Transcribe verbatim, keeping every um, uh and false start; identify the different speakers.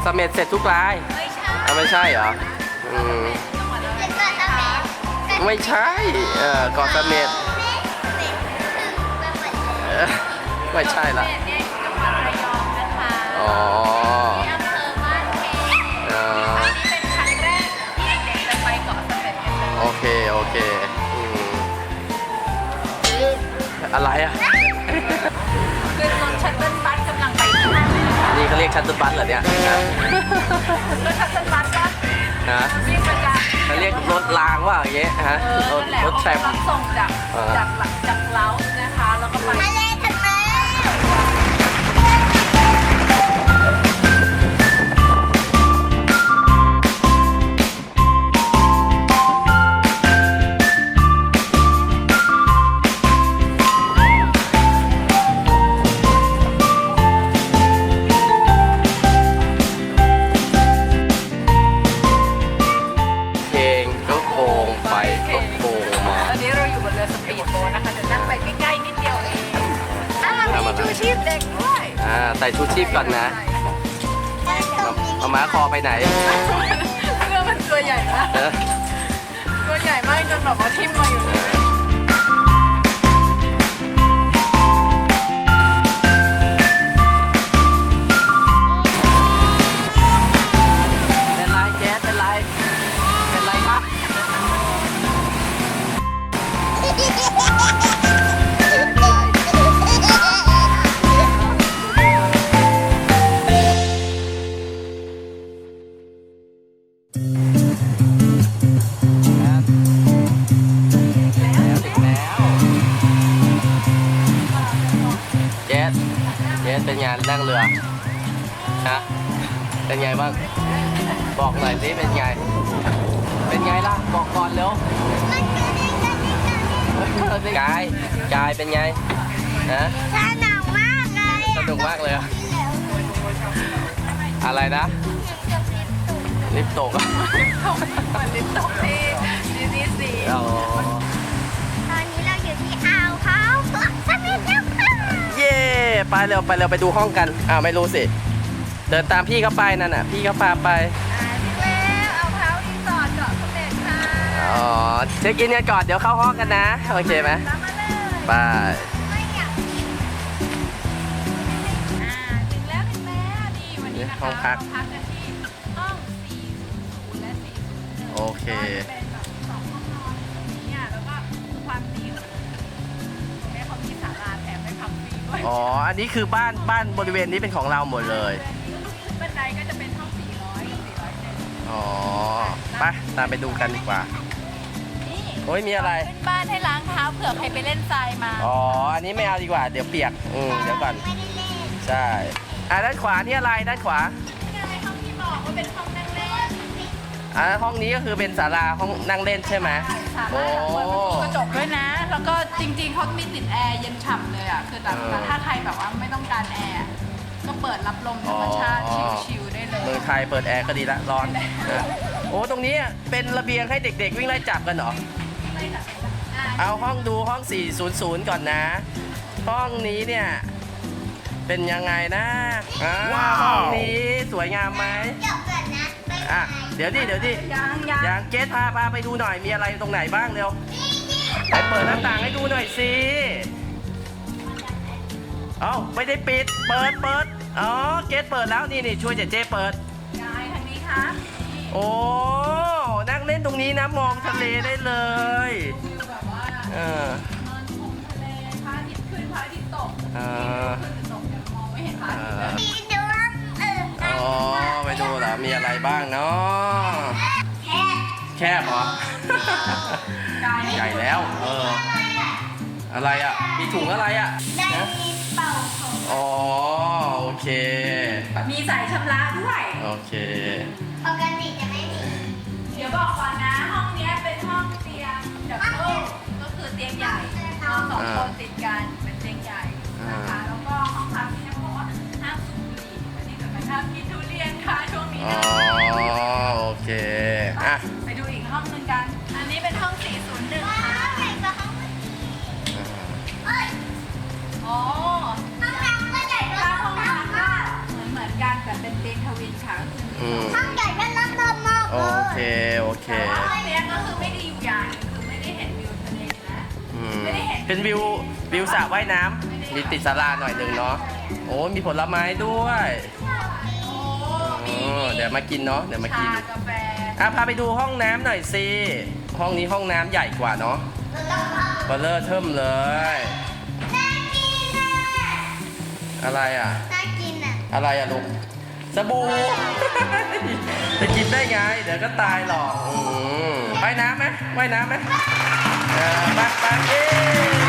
Speaker 1: เสม็ดเสร็จทุกรายไม่ใช่ไม่ใช่เหรออืมไม่ใช่เออเกาะเสม็ดไม่ใช่ละอ๋อโอเคโอเคอะไรอ่ะ
Speaker 2: คือรถชัตเติ้ลบัสกำลังไป
Speaker 1: นี่เขาเรียกชัตเติ้ลบัสเหรอเนี่ย
Speaker 2: รถชัตเติ้ลบัสปะ
Speaker 1: นะเขาเรียกรถรางว่าอย่างเงี้ยฮะรถรถแทรม
Speaker 2: ส่งจากจากหลังจากเล้านะคะแล้วก็ไป
Speaker 1: ใส่ชูชีพก่อนนะเอาม้าคอไปไหน
Speaker 2: เรือมันตัวใหญ่มากตัวใหญ่มากจนแบบว่าทิ่มมาอยู่เลย
Speaker 1: เป็นไรแจ๊สเป็นไรเป็นไรครับเป็นไงนั่งเรือฮะเป็นไงบ้างบอกหน่อยสิเป็นไงเป็นไงล่ะบอกก่อนเร็วกายกายเป็นไงฮะ
Speaker 3: สนุกมากเลย
Speaker 1: สนุกมากเลยอะไรนะลิฟต์ตก
Speaker 2: มันลิฟต์ตกที่ดิสนีย์ซี
Speaker 1: อ๋อ
Speaker 3: ตอนนี้เราอยู่ที่อ่าวเขาสมิธแล้วค่ะ
Speaker 1: เย่ไปเร็วไปเร็วไปดูห้องกันอ้าวไม่รู้สิเดินตามพี่เขาไปนั่นน่ะพี่เขาพาไป
Speaker 2: แล้วเอาเท้ารีสอร์ทเกาะเสม็ดค่ะ
Speaker 1: อ๋อเช็คอินกันก่อนเดี๋ยวเข้าห้องกันนะโอเคไหมไป
Speaker 2: ถึงแล้วถึงแล้วนี่วันนี้นะคะเราพักกันที่ห้องสี่ศูนย์และสี่ศูนย์
Speaker 1: โอเค
Speaker 2: เป็นแบบสองห้องนอนเนี่ยแล้วก็ความดีตรงนี้เขามีศาลาแถมให้พักฟรีด้วย
Speaker 1: อ๋ออันนี้คือบ้านบ้านบริเวณนี้เป็นของเราหมดเลย
Speaker 2: บันไดก็จะเป็นห้องสี่ร้อยกับสี่ร้อยเจ็ด
Speaker 1: อ๋อไปตามไปดูกันดีกว่าโอ้ยมีอะไร
Speaker 2: เป็นบ้านให้ล้างเท้าเผื่อใครไปเล่นทรายมา
Speaker 1: อ๋ออันนี้ไม่เอาดีกว่าเดี๋ยวเปียกอืมเดี๋ยวก่อนใช่อ่ะด้านขวานี่อะไรด้านขวา
Speaker 2: ห้องที่บอกว่าเป็นห้องนั่งเล่น
Speaker 1: อ่ะห้องนี้ก็คือเป็นศาลาห้องนั่งเล่นใช่ไหม
Speaker 2: โอ้กระจกด้วยนะแล้วก็จริงๆเขามีติดแอร์เย็นฉ่ำเลยอ่ะคือแต่ถ้าใครแบบว่าไม่ต้องการแอร์ก็เปิดรับลมธรรมชาติชิลๆได้เลย
Speaker 1: เมืองไทยเปิดแอร์ก็ดีละร้อนโอ้ตรงนี้เป็นระเบียงให้เด็กๆวิ่งไล่จับกันเหรอเอาห้องดูห้องสี่ศูนย์ศูนย์ก่อนนะห้องนี้เนี่ยเป็นยังไงนะว้าวห้องนี้สวยงามไหมอ่ะเดี๋ยวดิเดี๋ยวดิ
Speaker 2: ยังยัง
Speaker 1: ยังเกสพาพาไปดูหน่อยมีอะไรตรงไหนบ้างเร็วไปเปิดหน้าต่างให้ดูหน่อยสิเอ้าไม่ได้ปิดเปิดเปิดอ๋อเกสเปิดแล้วนี่นี่ช่วยเจเจเปิด
Speaker 2: ยายทางนี้ค่ะ
Speaker 1: โอ้นั่งเล่นตรงนี้นะมองทะเลได้เลย
Speaker 2: แบบว่า
Speaker 1: เออน
Speaker 2: อนชมทะเลพระอาทิตย์ขึ้นพระอาทิตย์ตก
Speaker 1: เออ
Speaker 2: ขึ้นหรือตกเนี่ยมองไม่เห็นพระอาทิตย์เลย
Speaker 1: อ๋อไปดูเหรอมีอะไรบ้างเนาะแคบเหรอใหญ่แล้วเอออะไรอ่ะมีถุงอะไรอ่ะอ๋อโอเค
Speaker 2: มีสายชำระด้วย
Speaker 1: โอเค
Speaker 3: ปกติจะไม่มี
Speaker 2: เดี๋ยวบอกก่อนนะห้องนี้เป็นห้องเตียงดับเบิลก็คือเตียงใหญ่นอนสองคนติดกันเป็นเตียงใหญ่นะคะแล้วก็ห้องพักที่เขาบอกว่าห้ามสูบบุหรี่วันนี้จะไปห้ามกินทุเรียนค่ะช่วงนี้นะ
Speaker 1: อ๋อโอเคอ่ะ
Speaker 2: ไปดูอีกห้องนึงกันอันนี้เป็นห้องสี่ศูนย์หนึ่งค่ะอ๋อห้องน้ำก็ใหญ่กว่าห้องน้ำค่ะเหมือนเหมือนกันแต่เป็นเตียงทวินค่ะก็คือ
Speaker 1: อืม
Speaker 3: ห้องใหญ่ก็น่ารักมาก
Speaker 1: โอ
Speaker 3: เล
Speaker 1: เค
Speaker 3: ย
Speaker 1: โอเค
Speaker 2: แต่ว่าห้องเนี้ยก็คือไม่ได้อยู่อย่างหนึงคือไม่ได้เห็นวิวทะเลนะ
Speaker 1: อืม
Speaker 2: ไม่ได้เห็น
Speaker 1: เป็นวิววิวสระว่ายน้ำมีติดศาลาหน่อยหนึ่งเนาะโอ้มีผลไม้ด้วย
Speaker 2: โอ้
Speaker 1: อ๋
Speaker 2: มี
Speaker 1: อเดี๋ยวมากินเนาะเดี๋ยวมากิน
Speaker 2: ชากาแฟ
Speaker 1: อ่ะพาไปดูห้องน้ำหน่อยสิห้องนี้ห้องน้ำใหญ่กว่าเนาะเบลเลอร์เทิมเลย
Speaker 3: น่ากินอ่ะ
Speaker 1: อะไรอ่ะ
Speaker 3: น่ากินอ่ะ
Speaker 1: อะไรอ่ะลูกสบู่ จะกินได้ไง เดี๋ยวก็ตายหรอกอืมว่ายน้ำไหมว่ายน้ำไหมเออไปไปเย้